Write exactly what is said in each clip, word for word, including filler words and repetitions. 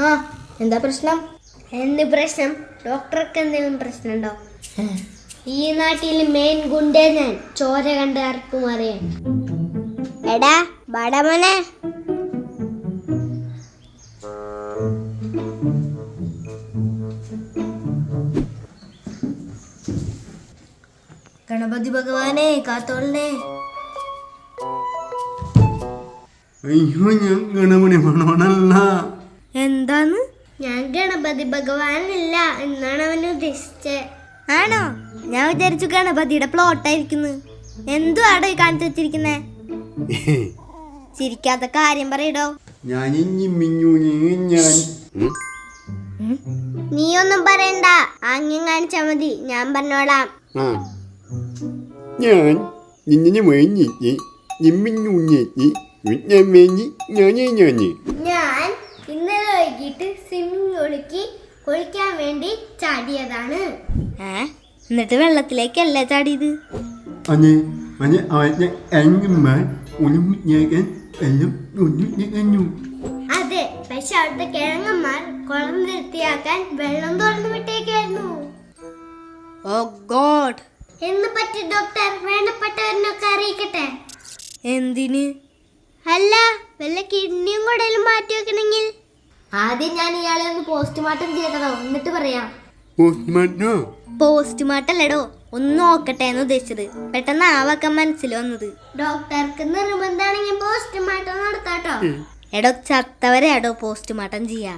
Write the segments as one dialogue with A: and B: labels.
A: ആ എന്താ പ്രശ്നം?
B: എന്ത് പ്രശ്നം? ഡോക്ടർക്ക് എന്തെങ്കിലും പ്രശ്നമുണ്ടോ? ഈ നാട്ടിൽ മെയിൻ ഗുണ്ടേ ഞാൻ, ചോര കണ്ട് ആർക്കും അറിയാൻ. എടാ ബടമോനെ,
A: ഗണപതി ഭഗവാനെ കാത്തോളനെ.
C: അയ്യോ ഞാൻ ഗണപതി ഭഗവാനല്ല.
A: എന്താന്ന്?
B: ഞാൻ ഗണപതി ഭഗവാനല്ല എന്നാണ് അവൻ ഉദ്ദേശിച്ചത്.
A: ആണോ? ഞാൻ വിചാരിച്ചു ഗണപതിയുടെ പ്ലോട്ടായിരിക്കുന്നു. എന്തു ആടോ ഈ കാണിച്ചു വെച്ചിരിക്കുന്നേ? ചിരിക്കാത്ത കാര്യം പറയടോ.
C: ഞാൻ ഞാൻ
B: നീ ഒന്നും പറയണ്ട, ആംഗ്യം കാണിച്ചാ മതി, ഞാൻ പറഞ്ഞോളാം.
C: ആ ഞാൻ നിന്നെ മേഞ്ഞി നിമ്മിഞ്ഞൂഞ്ഞി ഞാൻ
B: ഞാൻ ഇന്നലെ വൈകിട്ട് സ്വിമ്മിംഗ് പൂളിക്ക് കുളിക്കാൻ വേണ്ടി ചാടിയതാണ്.
A: ഏ എന്നിട്ട് വെള്ളത്തിലേക്കല്ലേ ചാടിയത്?
C: അതെ അതെ അവന്റെ അഞ്ചുമാർ ഉണങ്ങിക്കാൻ എല്ലാം ഒന്നു.
B: അതെ, പക്ഷെ അവിടുത്തെ കിഴങ്ങന്മാർ കുളം വൃത്തിയാക്കാൻ വെള്ളം തുറന്നു വിട്ടേക്കായിരുന്നു.
A: ഓ ഗോഡ്.
B: എന്ന് പറ്റി ഡോക്ടർ വേണ്ടപ്പെട്ടവരിനൊക്കെ അറിയിക്കട്ടെ?
A: എന്തിന്?
B: അല്ല, വല്ല കിഡ്നിയും കുടലും മാറ്റി വെക്കണമെങ്കിൽ.
A: ആദ്യം ഞാൻ ഇയാളെ ഒന്ന് പോസ്റ്റ്മോർട്ടം ചെയ്തതോ, എന്നിട്ട് പറയാം. പോസ്റ്റ്മോർട്ടം അല്ലടോ, ഒന്ന് നോക്കട്ടെ എന്ന് ഉദ്ദേശിച്ചത്. പെട്ടെന്ന് ആ വക്കം മനസ്സിൽ വന്നത്.
B: ഡോക്ടർക്ക് നിർബന്ധമാണെങ്കിൽ പോസ്റ്റ്മോർട്ടം നടത്താട്ടോ.
A: എടോ ചത്തവരെ എടോ പോസ്റ്റ്മോർട്ടം ചെയ്യാ.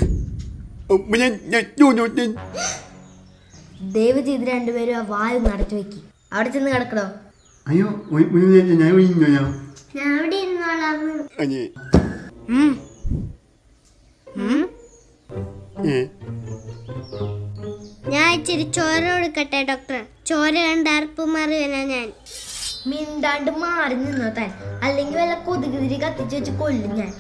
A: ദയവ് ചെയ്ത് രണ്ടുപേരും ആ വായു നടത്തി വെക്കി. അവിടെ ചെന്ന് കിടക്കടോ.
C: അയ്യോ ഞാൻ
B: ഞാൻ അവിടെ ഇരുന്നോളാന്ന്.
A: ഉം. ഉം.
B: ഞാൻ ഇച്ചിരി ചോര കൊടുക്കട്ടെ ഡോക്ടർ? ചോര കണ്ട് അർപ്പ് മാറിയല്ല ഞാൻ.
A: മിണ്ടാണ്ട് മാറി നിന്നോ താൻ, അല്ലെങ്കിൽ വല്ല കൊതുകുതിരി കത്തിച്ച് വെച്ച് കൊല്ലും ഞാൻ.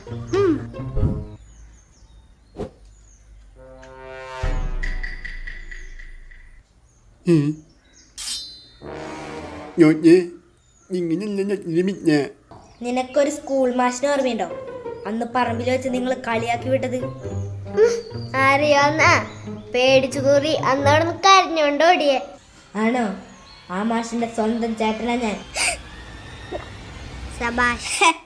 A: നിനക്കൊരു സ്കൂൾ മാഷിനെ ഓർമ്മയുണ്ടോ? അന്ന് പറമ്പിൽ വെച്ച് നിങ്ങൾ കളിയാക്കി വിട്ടത്.
B: അറിയാവുന്ന പേടിച്ചു കൂറി അന്നോടൊന്ന് കരഞ്ഞോണ്ട് ഓടിയേ.
A: ആണോ? ആ മാഷിന്റെ സ്വന്തം ചേട്ടനാ ഞാൻ.
B: സബാഷ്.